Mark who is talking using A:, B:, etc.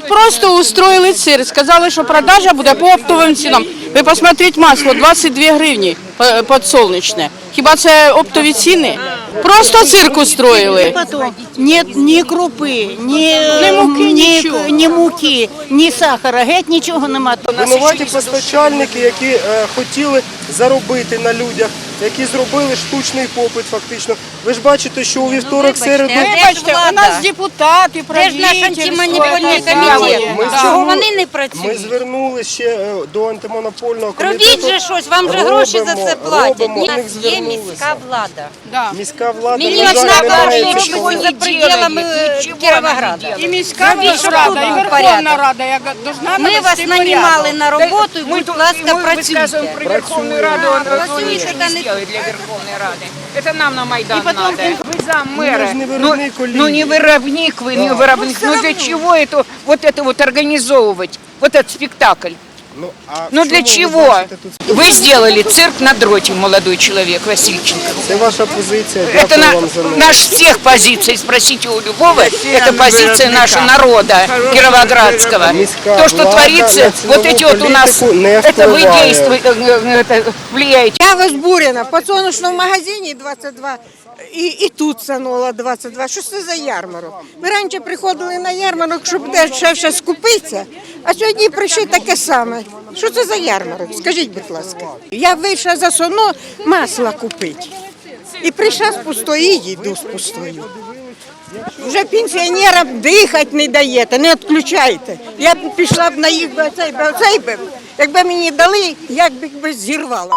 A: просто устроили цирк. Сказали, що продажа буде по оптовим цінам. Ви посмотрите, масло 22 гривні подсолнечне. Хіба це оптові ціни? Просто цирк устроили.
B: Нет ні крупи, ні муки, ні сахара, геть нічого нема.
C: Винуваті постачальники, які хотіли заробити на людях, які зробили штучний попит фактично. Ви ж бачите, що у вівторок, середу...
A: Вибачте, у нас депутати,
D: Де ж наш антимонопольний комітет? Чого вони не працюють?
C: Ми звернулися ще до антимонопольного комітету.
D: Робіть же щось, вам же гроші за це платять. У
C: Робимо.
D: нас є міська влада.
C: Міська влада,
D: Мені
C: на жаль,
D: одна
C: не має
D: каже, що
C: цього.
D: за пределами Кіровограда.
A: І міська
D: Робіть
A: рада, і
D: порядок.
A: Верховна Рада, яка должна
D: Ми вас
A: навести
D: нанімали
A: порядок.
D: на роботу, і, будь ласка, працюйте.
E: Про Верховную Раду он
D: Працюйте,
E: ничего
D: та
E: не
D: не
E: сделает для Верховной Рады. Это нам на Майдан надо. Вы зам
C: Ну,
E: мэра.
C: ви ж не виробник олії.
E: Ну не виробник вы, не виробник. Ну для чего это вот организовывать? Вот этот спектакль. Ну
C: в
E: для
C: чому ви
E: чего?
C: бачите тут?
E: Вы сделали цирк на дроте, молодой человек, Васильченко.
C: Це ваша позиція,
E: Это
C: дякую вам за неї.
E: наш всех позиций, спросите у любого, это позиция нашего народа Кировоградского.
C: Міська
E: То, что
C: влада
E: творится,
C: на
E: вот эти вот у нас,
C: політику не
E: это вы
C: впливає.
E: действуете, это влияете.
F: Я возбурена. В подсолнечному магазині 22 і тут санола 22. Що це за ярмарок? Ми раніше приходили на ярмарок, щоб дешевше скупитися, а сьогодні прийшли таке саме. Що це за ярмарок? Скажіть, будь ласка. Я вийшла за соно масла купити. І прийшла з пустої, їду з пустою. Вже пенсіонерам дихати не даєте, не відключаєте. Я б пішла б на їх, оцей би, якби мені дали, як би зірвала.